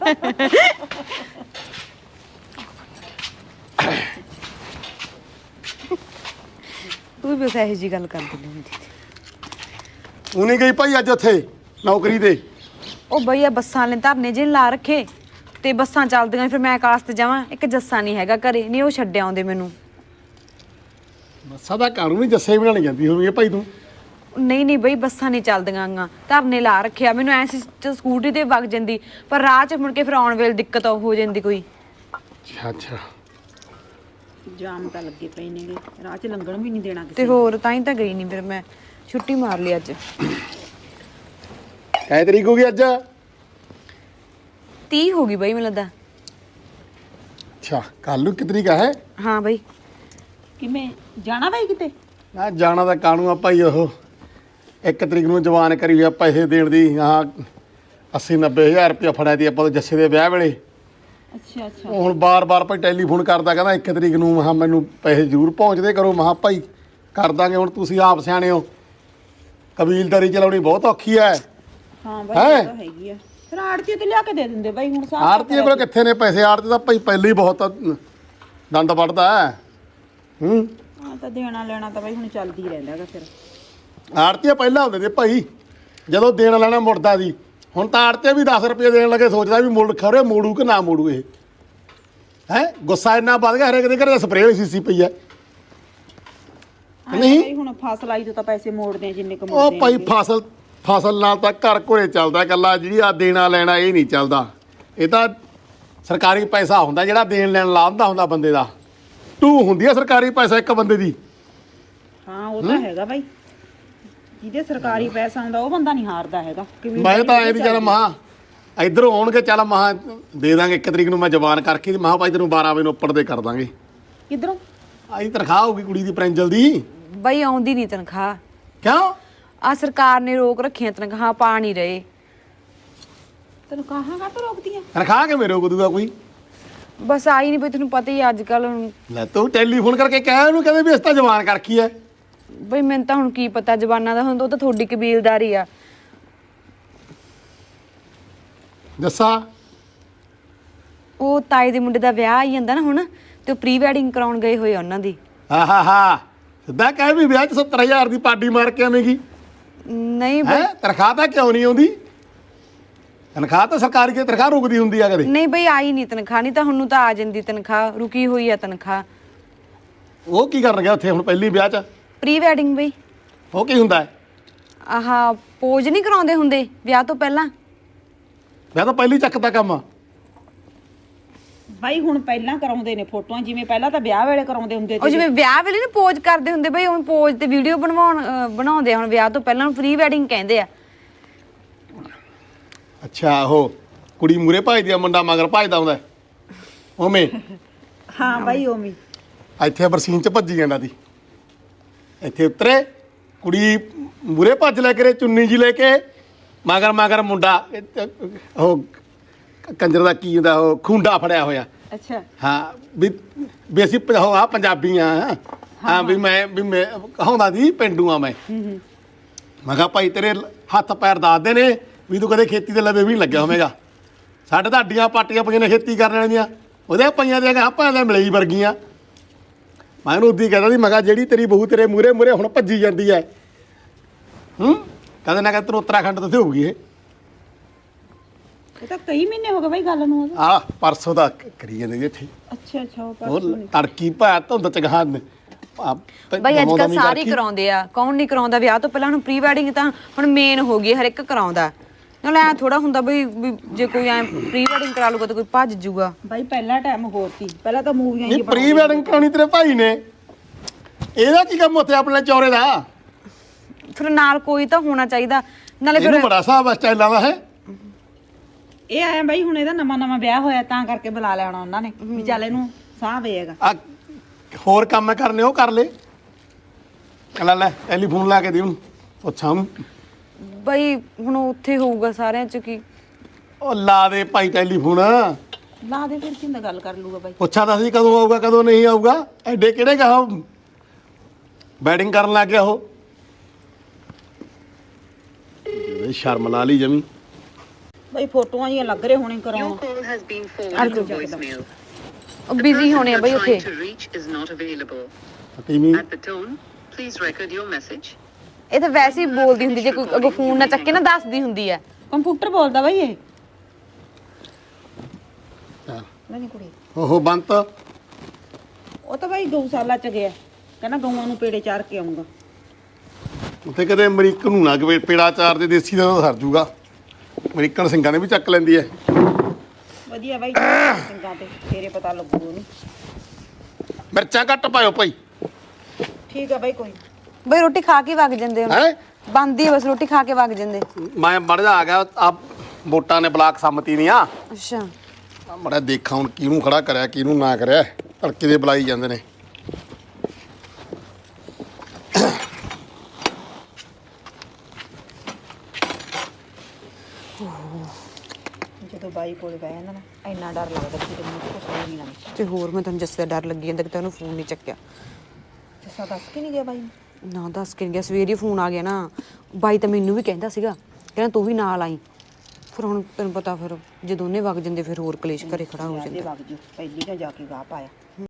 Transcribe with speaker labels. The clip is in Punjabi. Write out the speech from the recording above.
Speaker 1: ਤੂੰ ਵੀ ਇਹੋ ਜੀ ਗੱਲ ਕਰ ਦਿੰਦੀ
Speaker 2: ਉਹਨੇ ਗਈ ਭਾਈ ਅੱਜ ਉੱਥੇ ਨੌਕਰੀ ਤੇ।
Speaker 1: ਉਹ ਬਈ ਆ ਬੱਸਾਂ ਵਾਲੇ ਧਰਨੇ ਜਿਹੇ ਲਾ ਰੱਖੇ ਤੇ ਬੱਸਾਂ ਚੱਲਦੀਆਂ ਫਿਰ ਮੈਂ ਕਾਸ ਤੇ ਜਾਵਾਂ। ਇੱਕ ਜੱਸਾ ਨਹੀਂ ਹੈਗਾ ਘਰੇ, ਨਹੀਂ ਉਹ ਛੱਡ ਆਉਂਦੇ ਮੈਨੂੰ।
Speaker 2: ਬੱਸਾਂ ਦਾ ਕਾਨੂੰਨ ਵੀ ਜੱਸੇ ਬਣਾਣੀ ਜਾਂਦੀ ਹੋਣੀ ਹੈ ਭਾਈ ਤੂੰ।
Speaker 1: ਨਹੀਂ ਬਈ ਬੱਸਾਂ ਨਹੀਂ ਚੱਲਦੀਆਂ ਗਾ, ਧਰਨੇ ਲਾ ਰੱਖਿਆ। ਮੈਨੂੰ ਐ ਸੀ ਸਕੂਟਰੀ ਤੇ ਵਗ ਜਾਂਦੀ, ਪਰ ਰਾਹ 'ਚ ਮੁੜ ਕੇ ਫਿਰ ਆਉਣ ਵੇਲੇ ਦਿੱਕਤ ਹੋ ਜਾਂਦੀ ਕੋਈ।
Speaker 2: ਅੱਛਾ
Speaker 3: ਜਾਮ ਤਾਂ ਲੱਗੇ ਪਏ ਨੇਗੇ, ਰਾਹ 'ਚ ਲੰਘਣ ਵੀ ਨਹੀਂ ਦੇਣਾ
Speaker 1: ਤੇ ਹੋਰ ਤਾਂ ਹੀ ਤਾਂ ਗਈ ਨਹੀਂ, ਫਿਰ ਮੈਂ ਛੁੱਟੀ ਮਾਰ ਲਈ ਅੱਜ।
Speaker 2: ਕੈ ਤਰੀਕ ਹੋ ਗਈ ਅੱਜ?
Speaker 1: 30 ਹੋ ਗਈ ਬਈ ਮੈਨੂੰ ਲੱਗਦਾ।
Speaker 2: ਅੱਛਾ ਕੱਲ ਨੂੰ ਕਿ ਤਰੀਕ ਹੈ?
Speaker 1: ਹਾਂ ਬਈ।
Speaker 3: ਕਿਵੇਂ ਜਾਣਾ ਬਾਈ ਕਿਤੇ?
Speaker 2: ਨਾ ਜਾਣਾ ਤਾਂ ਕਾਣੂ ਆ ਭਾਈ। ਉਹ 1 ਤਰੀਕ ਨੂੰ ਜਵਾਨ ਕਰੀ ਹੋਇਆ ਪੈਸੇ ਦੇਣ ਦੀ। ਹਾਂ 80-90 ਹਜ਼ਾਰ ਰੁਪਇਆ ਫੜਿਆ ਤੀ ਆਪਾਂ ਜੱਸੇ ਦੇ ਵਿਆਹ ਵੇਲੇ।
Speaker 3: ਅੱਛਾ ਅੱਛਾ।
Speaker 2: ਹੁਣ ਬਾਰ-ਬਾਰ ਭਾਈ ਟੈਲੀਫੋਨ ਕਰਦਾ, ਕਹਿੰਦਾ 1 ਤਰੀਕ ਨੂੰ। ਮਹਾਂ ਮੈਨੂੰ ਪੈਸੇ ਜ਼ਰੂਰ ਪਹੁੰਚਦੇ ਕਰੋ। ਮਹਾਂ ਭਾਈ ਕਰ ਦਾਂਗੇ। ਹੁਣ ਤੁਸੀਂ ਆਪ ਸਿਆਣੇ ਹੋ, ਕਬੀਲਦਾਰੀ ਚਲਾਉਣੀ ਬਹੁਤ ਔਖੀ ਹੈ।
Speaker 3: ਹਾਂ ਬਾਈ ਇਹ ਤਾਂ ਹੈਗੀ ਆ। ਫਿਰ ਆੜਤੀ ਤੇ ਲਿਆ ਕੇ ਦੇ ਦਿੰਦੇ ਬਾਈ। ਹੁਣ ਸਾਰਾ
Speaker 2: ਆੜਤੀ ਕੋਲ ਕਿੱਥੇ ਨੇ ਪੈਸੇ? ਆੜਤੀ ਤਾਂ ਭਾਈ ਪਹਿਲੇ ਹੀ ਬਹੁਤ ਦੰਦ ਵੱਢਦਾ ਹੈ।
Speaker 3: ਹਾਂ ਤਾਂ ਦੇਣਾ ਲੈਣਾ ਤਾਂ ਬਾਈ ਹੁਣ ਚੱਲਦੀ ਰਹਿੰਦਾ ਹੈਗਾ। ਫਿਰ
Speaker 2: ਆੜਤੀਆ ਪਹਿਲਾਂ ਹੁੰਦੇ ਤੇ ਭਾਈ, ਜਦੋਂ ਦੇਣਾ ਲੈਣਾ ਮੁੜਦਾ ਸੀ। ਹੁਣ ਤਾਂ ਆੜਤੀਆ ਵੀ 10 ਰੁਪਏ ਦੇਣ ਲੱਗੇ, ਸੋਚਦਾ ਵੀ ਮੁੜ ਖਰੇ ਮੋੜੂ ਕਿ ਨਾ ਮੋੜੂ। ਇਹ ਹੈ ਗੁੱਸਾ ਇੰਨਾ ਵੱਧ ਗਿਆ, ਹਰੇਕ ਦੇ ਘਰੇ ਸਪਰੇਅ ਹੋਈ ਸੀ ਪਈ ਹੈ। ਨਹੀਂ
Speaker 3: ਬਾਈ ਹੁਣ ਫਸਲ ਆਈ ਤੋਂ ਤਾਂ ਪੈਸੇ ਮੋੜਦੇ ਆ ਜਿੰਨੇ ਕੁ
Speaker 2: ਉਹ
Speaker 3: ਮੋੜਦੇ
Speaker 2: ਭਾਈ ਫਸਲ ਨਾਲ ਤਾਂ ਘਰ ਘੋੜੇ ਚੱਲਦਾ। ਇਕੱਲਾ ਜਿਹੜੀ ਆ ਦੇਣਾ ਲੈਣਾ ਇਹ ਨਹੀਂ ਚੱਲਦਾ। ਇਹ ਤਾਂ ਸਰਕਾਰੀ ਪੈਸਾ ਹੁੰਦਾ ਜਿਹੜਾ ਦੇਣ ਲੈਣ ਲਾਉਂਦਾ ਹੁੰਦਾ ਬੰਦੇ ਦਾ। ਟੂ ਹੁੰਦੀ ਆ ਸਰਕਾਰੀ ਪੈਸਾ ਇੱਕ ਬੰਦੇ ਦੀ।
Speaker 3: ਹਾਂ ਉਹ ਤਾਂ ਹੈਗਾ ਬਾਈ, ਜਿਹਦੇ ਸਰਕਾਰੀ ਪੈਸਾ ਆਉਂਦਾ ਉਹ ਬੰਦਾ ਨਹੀਂ ਹਾਰਦਾ ਹੈਗਾ।
Speaker 2: ਮੈਂ ਤਾਂ ਇਹ ਵੀ ਚੱਲ ਮਹਾਂ ਇੱਧਰੋਂ ਆਉਣਗੇ, ਚੱਲ ਮਹਾਂ ਦੇ ਦਾਂਗੇ 1 ਤਰੀਕ ਨੂੰ। ਮੈਂ ਜਵਾਨ ਕਰਕੇ ਮਹਾਂ ਭਾਈ ਤੈਨੂੰ 12 ਵਜੇ ਨੂੰ ਉੱਪਰ ਦੇ ਕਰ ਦਾਂਗੇ।
Speaker 3: ਕਿੱਧਰੋਂ
Speaker 2: ਆਹੀ ਤਨਖਾਹ ਹੋਊਗੀ ਕੁੜੀ ਦੀ ਪ੍ਰਿੰਜਲ ਦੀ।
Speaker 1: ਬਈ ਆਉਂਦੀ ਨਹੀਂ ਤਨਖਾਹ।
Speaker 2: ਕਿਉਂ?
Speaker 1: ਆ ਸਰਕਾਰ ਨੇ ਰੋਕ ਰੱਖੀਆਂ ਤਨਖਾਹਾਂ, ਪਾ ਨਹੀਂ ਰਹੇ।
Speaker 3: ਤੈਨੂੰ ਕਹਾਂ ਕਾ ਰੋਕਦੀਆਂ?
Speaker 2: ਤਨਖਾਹ ਕਿਵੇਂ ਰੋਕ ਦੂਗਾ ਕੋਈ?
Speaker 1: ਬਸ ਆਈ ਨਹੀਂ ਬਈ, ਤੈਨੂੰ ਪਤਾ ਹੀ ਅੱਜ ਕੱਲ।
Speaker 2: ਲੈ ਤੂੰ ਟੈਲੀਫੋਨ ਕਰਕੇ ਕਹਿ ਉਹਨੂੰ, ਕਹਿੰਦੇ ਵੀ ਇਸ ਤਾਂ ਜਵਾਨ ਕਰਖੀ ਐ।
Speaker 1: ਬਈ ਮੈਨੂੰ ਤਾਂ ਹੁਣ ਕੀ ਪਤਾ ਜ਼ਬਾਨਾਂ ਦਾ, ਹੁਣ ਉਹ ਤਾਂ ਤੁਹਾਡੀ ਕਬੀਲਦਾਰੀ ਆ।
Speaker 2: ਦੱਸਾ
Speaker 1: ਉਹ ਤਾਏ ਦੇ ਮੁੰਡੇ ਦਾ ਵਿਆਹ ਆਈ ਜਾਂਦਾ ਨਾ ਹੁਣ, ਤੇ ਉਹ ਪ੍ਰੀ ਵੈਡਿੰਗ ਕਰਾਉਣ ਗਏ ਹੋਏ ਉਹਨਾਂ ਦੀ।
Speaker 2: ਆਹਾ ਸਿੱਧਾ ਕਹਿ ਵੀ ਵਿਆਹ 'ਚ 70,000 ਦੀ ਪਾਰਟੀ ਮਾਰ ਕੇ ਆਵੇਂਗੀ।
Speaker 1: ਨਹੀਂ
Speaker 2: ਹੈ
Speaker 1: ਬਈ,
Speaker 2: ਤਨਖਾਹ ਤਾਂ ਕਿਉਂ ਨਹੀਂ ਆਉਂਦੀ? ਤਨਖਾਹ ਤਾਂ ਸਰਕਾਰੀ ਦੀ ਤਨਖਾਹ ਰੁਕਦੀ ਹੁੰਦੀ ਆ ਕਦੇ।
Speaker 1: ਨਹੀਂ ਬਈ ਆਈ ਨਹੀਂ ਤਨਖਾਹ, ਨਹੀਂ ਤਾਂ ਹੁਣ ਨੂੰ ਤਾਂ ਆ ਜਾਂਦੀ ਤਨਖਾਹ। ਰੁਕੀ ਹੋਈ ਆ ਤਨਖਾਹ।
Speaker 2: ਉਹ ਕੀ ਕਰਨ ਗਿਆ ਉੱਥੇ ਹੁਣ ਪਹਿਲੀ ਵਿਆਹ 'ਚ?
Speaker 1: ਪ੍ਰੀ ਵੈਡਿੰਗ ਬਈ।
Speaker 2: ਉਹ ਕੀ ਹੁੰਦਾ ਹੈ?
Speaker 1: ਆਹਾ ਪੋਜ ਨਹੀਂ ਕਰਾਉਂਦੇ ਹੁੰਦੇ ਵਿਆਹ ਤੋਂ ਪਹਿਲਾਂ?
Speaker 2: ਵਿਆਹ ਤਾਂ ਪਹਿਲੀ ਚੱਕ ਦਾ ਕੰਮ ਆ
Speaker 3: ਬਾਈ। ਹੁਣ ਪਹਿਲਾਂ ਕਰਾਉਂਦੇ ਨੇ ਫੋਟੋਆਂ, ਜਿਵੇਂ ਪਹਿਲਾਂ ਤਾਂ ਵਿਆਹ ਵੇਲੇ ਕਰਾਉਂਦੇ ਹੁੰਦੇ
Speaker 1: ਉਹ ਜਿਵੇਂ ਵਿਆਹ ਵੇਲੇ ਨਾ ਪੋਜ ਕਰਦੇ ਹੁੰਦੇ ਬਈ, ਉਹ ਪੋਜ ਤੇ ਵੀਡੀਓ ਬਣਾਉਂਦੇ ਆ ਹੁਣ ਵਿਆਹ ਤੋਂ ਪਹਿਲਾਂ। ਪ੍ਰੀ ਵੈਡਿੰਗ ਕਹਿੰਦੇ ਆ।
Speaker 2: ਅੱਛਾ ਉਹ ਕੁੜੀ ਮੂਰੇ ਭਜਦੀ ਆ, ਮੁੰਡਾ ਮਗਰ ਭਜਦਾ ਹੁੰਦਾ ਉਵੇਂ?
Speaker 3: ਹਾਂ ਬਾਈ ਉਵੇਂ।
Speaker 2: ਇੱਥੇ ਬਰਸੀਨ 'ਚ ਭੱਜੀ ਜਾਂਦਾ ਸੀ। ਇੱਥੇ ਉਤਰੇ ਕੁੜੀ ਮੂਰੇ ਭੱਜ ਲੈ ਕੇ, ਚੁੰਨੀ ਜੀ ਲੈ ਕੇ, ਮਗਰ ਮੁੰਡਾ। ਉਹ ਕੰਜਰ ਦਾ ਕੀ ਹੁੰਦਾ, ਉਹ ਖੁੰਡਾ ਫੜਿਆ ਹੋਇਆ।
Speaker 3: ਅੱਛਾ
Speaker 2: ਹਾਂ ਵੀ ਅਸੀਂ ਆ ਪੰਜਾਬੀ ਆ। ਹਾਂ ਵੀ ਮੈਂ ਕਹਾਉਂਦਾ ਸੀ ਪੇਂਡੂ ਆ ਮੈਂ। ਮੈਂ ਕਿਹਾ ਭਾਈ ਤੇਰੇ ਹੱਥ ਪੈਰ ਦੱਸਦੇ ਨੇ ਵੀ ਤੂੰ ਕਦੇ ਖੇਤੀ ਦੇ ਲਵੇ ਵੀ ਨਹੀਂ ਲੱਗਿਆ ਹੋਵੇਗਾ। ਸਾਡੇ ਤਾਂ ਅੱਡੀਆਂ ਪਾਟੀਆਂ ਪਈਆਂ ਨੇ ਖੇਤੀ ਕਰਨ ਵਾਲੀਆਂ, ਉਹਦੇ ਪਈਆਂ ਦੇ ਆਪਾਂ ਦੇ ਮਲਈ ਵਰਗੀਆਂ। ਮੈਂ ਉਹਨੂੰ ਉੱਦੀ ਕਹਿੰਦਾ ਸੀ, ਮੈਂ ਕਿਹਾ ਜਿਹੜੀ ਤੇਰੀ ਬਹੂ ਤੇਰੇ ਮੂਰੇ ਹੁਣ ਭੱਜੀ ਜਾਂਦੀ ਹੈ। ਕਹਿੰਦੇ ਨਾ ਕਹਿੰਦੇ ਤੈਨੂੰ ਉੱਤਰਾਖੰਡ ਤੋਂ ਹੋਊਗੀ ਇਹ
Speaker 3: ਤਾਂ ਕਈ ਮਹੀਨੇ ਹੋ ਗਏ ਬਾਈ ਗੱਲ ਨੂੰ।
Speaker 2: ਆ ਪਰਸੋਂ ਦਾ ਕਰੀ ਜਾਂਦੇ ਜੀ ਇੱਥੇ।
Speaker 3: ਅੱਛਾ ਅੱਛਾ
Speaker 2: ਉਹ ਤੜਕੀ ਭਾ ਧੁੰਦ ਚ ਗਾਹ
Speaker 1: ਬਈ ਅੱਜ ਕੱਲ ਸਾਰੇ ਹੀ ਕਰਾਉਂਦੇ ਆ, ਕੌਣ ਨਹੀਂ ਕਰਾਉਂਦਾ ਵਿਆਹ ਤੋਂ ਪਹਿਲਾਂ। ਹੁਣ ਪ੍ਰੀ ਵੈਡਿੰਗ ਤਾਂ ਹੁਣ ਮੇਨ ਹੋ ਗਈ, ਹਰ ਇੱਕ ਕਰਾਉਂਦਾ। ਨਾਲ ਐ ਥੋੜਾ ਹੁੰਦਾ ਬਈ ਜੇ ਕੋਈ ਐ ਪ੍ਰੀ ਵੈਡਿੰਗ ਕਰਾ ਲੂਗਾ ਤਾਂ ਕੋਈ ਭੱਜ ਜੂਗਾ।
Speaker 3: ਬਾਈ ਪਹਿਲਾ ਟਾਈਮ ਹੋਰ ਸੀ, ਪਹਿਲਾਂ ਤਾਂ ਮੂਵੀਆਂ ਹੀ
Speaker 2: ਪ੍ਰੀ ਵੈਡਿੰਗ ਕਰਾਉਣੀ ਤੇਰੇ ਭਾਈ ਨੇ। ਇਹਦਾ ਕੀ ਕੰਮ ਉੱਥੇ ਆਪਣੇ ਚੌਰੇ ਦਾ?
Speaker 1: ਫਿਰ ਨਾਲ ਕੋਈ ਤਾਂ ਹੋਣਾ ਚਾਹੀਦਾ। ਨਾਲੇ
Speaker 2: ਇਹਨੂੰ ਬੜਾ ਹਿਸਾਬ ਸਟਾਈਲਾਂ ਦਾ ਹੈ।
Speaker 3: ਇਹ ਆਇਆ ਬਾਈ ਹੁਣ ਇਹਦਾ ਨਵਾਂ ਵਿਆਹ ਹੋਇਆ ਤਾਂ ਕਰਕੇ ਬੁਲਾ ਲਿਆਉਣਾ ਉਹਨਾਂ ਨੇ ਵੀ ਚੱਲ ਇਹਨੂੰ ਸਾਹ ਵੇਗਾ।
Speaker 2: ਆ ਹੋਰ ਕੰਮ ਕਰਨੇ ਉਹ ਕਰ ਲੈ। ਲੈ ਟੈਲੀਫੋਨ ਲਾ ਕੇ ਦੇ ਉਹਨੂੰ, ਪੁੱਛਾਂ ਉਹਨੂੰ।
Speaker 1: ਬਈ ਹੁਣ ਉੱਥੇ ਹੋਊਗਾ ਸਾਰਿਆਂ ਚ ਕੀ।
Speaker 2: ਉਹ ਲਾ ਦੇ ਭਾਈ ਟੈਲੀਫੋਨ।
Speaker 3: ਲਾ ਦੇ ਫਿਰ ਕਿੰਦਾ ਗੱਲ ਕਰ ਲੂਗਾ ਬਾਈ।
Speaker 2: ਪੁੱਛਾ ਤਾਂ ਸੀ ਕਦੋਂ ਆਊਗਾ ਕਦੋਂ ਨਹੀਂ ਆਊਗਾ। ਐਡੇ ਕਿਹੜੇ ਗਾ ਬੈਟਿੰਗ ਕਰਨ ਲੱਗ ਗਿਆ ਉਹ। ਸ਼ਰਮ ਲਾ ਲਈ ਜਮੀ।
Speaker 3: ਬਈ ਫੋਟੋਆਂ ਜਿਹੀਆਂ ਲੱਗ ਰਹੇ ਹੋਣੇ
Speaker 4: Your
Speaker 3: ਕਰਾਉਣ
Speaker 4: call has been forwarded to voicemail.
Speaker 1: ਉਹ ਬਿਜ਼ੀ ਹੋਣੇ ਆ ਬਈ ਉੱਥੇ
Speaker 4: To reach is not available.
Speaker 2: ਤੀਵੀਂ
Speaker 4: At the tone, please record your message.
Speaker 1: ਇਹ ਤਾਂ ਵੈਸੇ ਹੀ ਬੋਲਦੀ ਹੁੰਦੀ ਜੇ ਕੋਈ ਅੱਗੋਂ ਫੋਨ ਨਾ ਚੱਕੇ ਨਾ ਦੱਸਦੀ ਹੁੰਦੀ ਆ
Speaker 3: ਕੰਪਿਊਟਰ ਬੋਲਦਾ ਬਈ ਇਹ
Speaker 2: ਹਾਂ।
Speaker 3: ਨਹੀਂ ਕੁੜੀ
Speaker 2: ਉਹ ਬੰਤ
Speaker 3: ਉਹ ਤਾਂ ਬਈ ਗਊਸ਼ਾਲਾ ਚ ਗਿਆ ਕਹਿੰਦਾ ਗਊਆਂ ਨੂੰ ਪੇੜੇ ਚਾਰ ਕੇ ਆਉਂਗਾ
Speaker 2: ਉੱਥੇ ਕਦੇ ਅਮਰੀਕਨ ਨੂੰ ਨਾ ਕਿ ਪੇੜਾ ਚਾਰ ਦੇ ਦੇਸੀ ਦਾ ਤਾਂ ਸਰ ਜੂਗਾ ਅਮਰੀਕਨ ਸਿੰਘਾਂ ਨੇ ਵੀ ਚੱਕ ਲੈਂਦੀ ਐ
Speaker 3: ਵਧੀਆ ਬਾਈ ਸਿੰਘਾਂ ਤੇ ਤੇਰੇ ਪਤਾ ਲੱਗੂ ਉਹਨੂੰ
Speaker 2: ਮਿਰਚਾਂ ਘੱਟ ਪਾਇਓ ਭਾਈ
Speaker 3: ਠੀਕ ਆ ਬਾਈ ਕੋਈ
Speaker 1: ਬਈ ਰੋਟੀ ਖਾ ਕੇ ਵਗ ਜਾਂਦੇ ਹੁਣ
Speaker 2: ਹੈ
Speaker 1: ਬੰਦੀ ਆ ਬਸ ਰੋਟੀ ਖਾ ਕੇ ਵਗ ਜਾਂਦੇ
Speaker 2: ਮੈਂ ਮੜ ਜਾ ਆ ਗਿਆ ਆ ਵੋਟਾਂ ਨੇ ਬਲਾਕ ਸੰਮਤੀ ਦੀਆਂ
Speaker 1: ਅੱਛਾ
Speaker 2: ਮੜਾ ਦੇਖਾਂ ਹੁਣ ਕਿਹਨੂੰ ਖੜਾ ਕਰਿਆ ਕਿਹਨੂੰ ਨਾ ਕਰਿਆ ਧੜਕੇ ਦੇ ਬੁਲਾਈ ਜਾਂਦੇ ਨੇ
Speaker 3: ਜਦੋਂ ਬਾਈ ਕੋਲ ਬਹਿ ਜਾਂਦਾ ਨਾ ਇੰਨਾ ਡਰ ਲੱਗਦਾ ਕਿ ਤੈਨੂੰ ਕੁਝ ਨਹੀਂ ਲੱਗਦਾ
Speaker 1: ਤੇ ਹੋਰ ਮੈਂ ਤੁਹਾਨੂੰ ਜੱਸੇ ਦਾ ਡਰ ਲੱਗੀ ਜਾਂਦਾ ਕਿ ਤੈਨੂੰ ਫੋਨ ਨਹੀਂ ਚੱਕਿਆ
Speaker 3: ਜੱਸਾ ਦੱਸ ਕੇ ਨਹੀਂ ਗਿਆ ਬਾਈ ਨੂੰ?
Speaker 1: ਨਾ ਦੱਸ ਕੇ ਨੀ ਗਿਆ ਸਵੇਰੇ ਫੋਨ ਆ ਗਿਆ ਨਾ ਬਾਈ ਤਾਂ ਮੈਨੂੰ ਵੀ ਕਹਿੰਦਾ ਸੀਗਾ ਕਹਿੰਦਾ ਤੂੰ ਵੀ ਨਾਲ ਆਈ ਫਿਰ ਹੁਣ ਤੈਨੂੰ ਪਤਾ ਫਿਰ ਜੇ ਦੋਨੇ ਵਗ ਜਾਂਦੇ ਫਿਰ ਹੋਰ ਕਲੇਸ਼ ਘਰੇ ਖੜਾ ਹੋ
Speaker 3: ਜਾਂਦੇ
Speaker 1: ਜਾਂਦਾ
Speaker 3: ਵਗ ਜੂ ਪਹਿਲੀ ਤਾਂ ਜਾ ਕੇ ਗਾਹ ਪਾਇਆ